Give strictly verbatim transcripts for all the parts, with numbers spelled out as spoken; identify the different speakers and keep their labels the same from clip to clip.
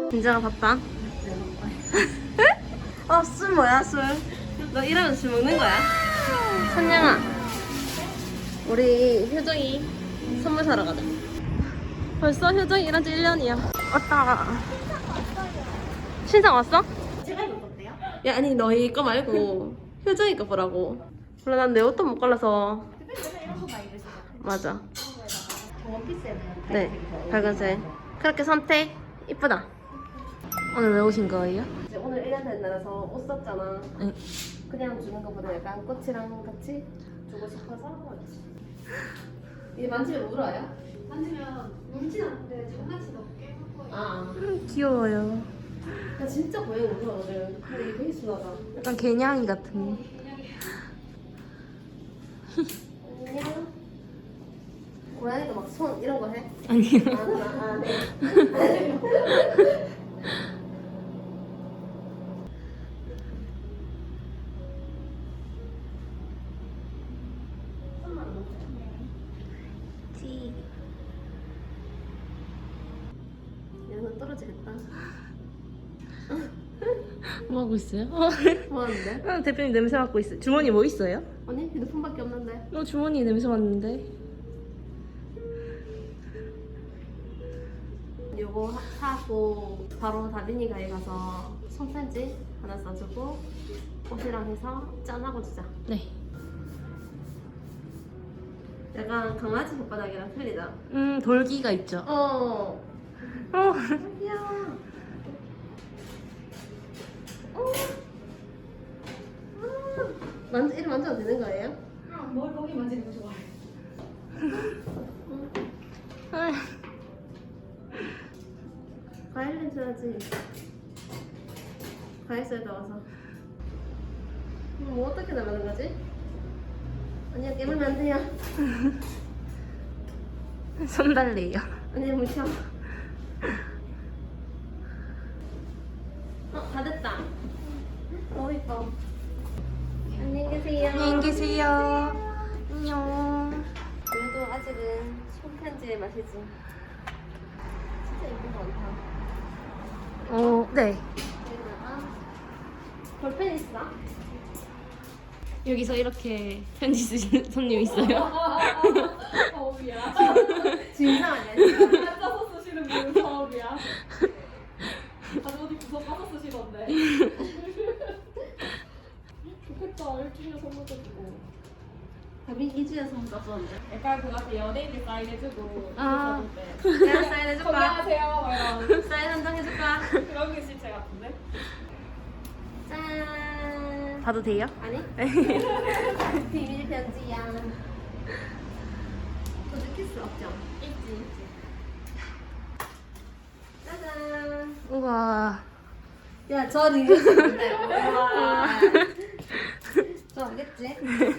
Speaker 1: 진짜가 바빠? 어, 술 뭐야, 술? 너 이러면 술 먹는 거야? 선영아, 우리 효정이 선물 사러 가자. 벌써 효정이 일한 지 일 년이야. 왔다. 신상 왔어?
Speaker 2: 제가 입은 건데요?
Speaker 1: 야, 아니 너희 거 말고 효정이 거 보라고. 몰라, 난 내 옷도 못 골라서.
Speaker 2: 대표님 이런 거 많이 입으시죠?
Speaker 1: 맞아.
Speaker 2: 원피스에는
Speaker 1: 네, 밝은색. 그렇게 선택. 이쁘다. 오늘 왜 오신 거예요? 이제 오늘 일 년 된 날에서 옷 샀잖아.
Speaker 3: 응.
Speaker 1: 그냥 주는 것보다 약간 꽃이랑 같이 주고 싶어서 왔지. 이게 만지면 울어요?
Speaker 2: 만지면 울진 않는데 장난치다 꽤 예뻐요.
Speaker 1: 아,
Speaker 3: 음, 귀여워요.
Speaker 1: 나 진짜 고양이 울어 오늘. 근데 이게 되게 순하다.
Speaker 3: 약간 개냥이 같은.
Speaker 1: 안녕. 고양이도 막 손 이런 거 해?
Speaker 3: 아니요.
Speaker 1: 아, 아, 아, 네. 얘는 떨어지겠다.
Speaker 3: 뭐 하고 있어요?
Speaker 1: 뭐 하는데?
Speaker 3: 아, 대표님 냄새 맡고 있어요. 주머니 뭐 있어요?
Speaker 1: 아니, 휴대폰밖에 없는데.
Speaker 3: 어, 주머니 냄새 맡는데.
Speaker 1: 요거 하- 사고 바로 다빈이 가게 가서 손편지 하나 써주고 옷이랑 해서 짠하고 주자.
Speaker 3: 네.
Speaker 1: 약간 강아지 손바닥이랑 틀리다.
Speaker 3: 음, 돌기가 있죠.
Speaker 1: 어.
Speaker 3: 어.
Speaker 1: 귀여워. 어. 아. 만져, 이름 만져도 되는 거예요?
Speaker 2: 그럼 뭘 거기 만지는 거 좋아해?
Speaker 3: 아,
Speaker 1: 과일 냄새 나지? 과일 썰 넣어서. 이거 뭐 어떻게 나가는 거지? 아니야, 깨물면 안 돼요.
Speaker 3: 손 달래요.
Speaker 1: 아니, 묻혀. 어, 다 됐다. 너무 이뻐. 안녕히 계세요.
Speaker 3: 안녕히 계세요. 안녕.
Speaker 1: 그래도 아직은 손편지의 맛이지. 진짜 예쁜 거 많다.
Speaker 3: 어, 네.
Speaker 1: 여기다가 볼펜 있어?
Speaker 3: 여기서 이렇게 편지 쓰시는 손님 있어요?
Speaker 2: 처음이야.
Speaker 1: 진상 아니야, 진상.
Speaker 2: 앉아서 쓰시는 분은 처음이야. 아주 어디 구석 가서 쓰시던데. 좋겠다. 일주일에 선물도 주고.
Speaker 1: 다빈 이 주에 선물 땄었는데.
Speaker 2: 약간 그 앞에 연예인들 사인해주고.
Speaker 3: 아.
Speaker 1: 내가 사인해줄까?
Speaker 2: 건강하세요. 뭐 이런.
Speaker 1: 사인 한 장 해줄까?
Speaker 2: 그런 게 실체 같은데?
Speaker 1: 짠.
Speaker 3: 봐도 돼요?
Speaker 1: 아니? 비밀 편지야. 또 느낄 수 없죠?
Speaker 2: 있지, 있지.
Speaker 1: 짜잔.
Speaker 3: 우와.
Speaker 1: 야, 저 리뷰 쓰는데. 와. 저 알겠지?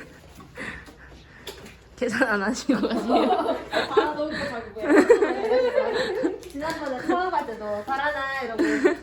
Speaker 3: 계산 안 하시고 가세요.
Speaker 2: 아, 너무 가지고요.
Speaker 1: 지난번에 처음 할 때도 잘하나 이러고.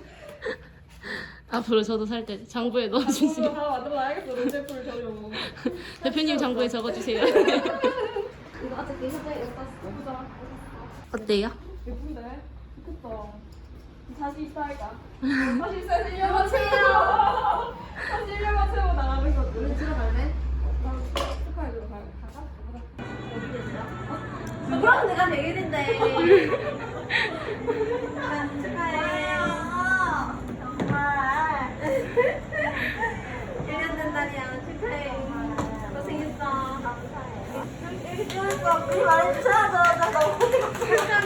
Speaker 3: 앞으로 저도 살 때 장부에 넣어주세요.
Speaker 2: 하나 만들어놔야겠어. 롤제풀 저용.
Speaker 3: 대표님 장부에 적어주세요.
Speaker 1: 이거 어차피 효정이 이거 땄어.
Speaker 2: 예쁘다.
Speaker 3: 어때요?
Speaker 2: 예쁜데? 좋겠다. 자신 있다 할까? 자신 있어야 일 년만 채우고 다시 일 년만 채우고 나가는 거지.
Speaker 1: 우리 들어갈래?
Speaker 2: 축하해주러 가- 갈까? 가보자. 어디 계세요?
Speaker 1: 누구랑 내가 내일인데. 축하해요. 정말. 일 년 된 날이야. 축하해. 고생했어. 감사해. 이렇게 찍었어. 그 말을 쳐줘. 나 너무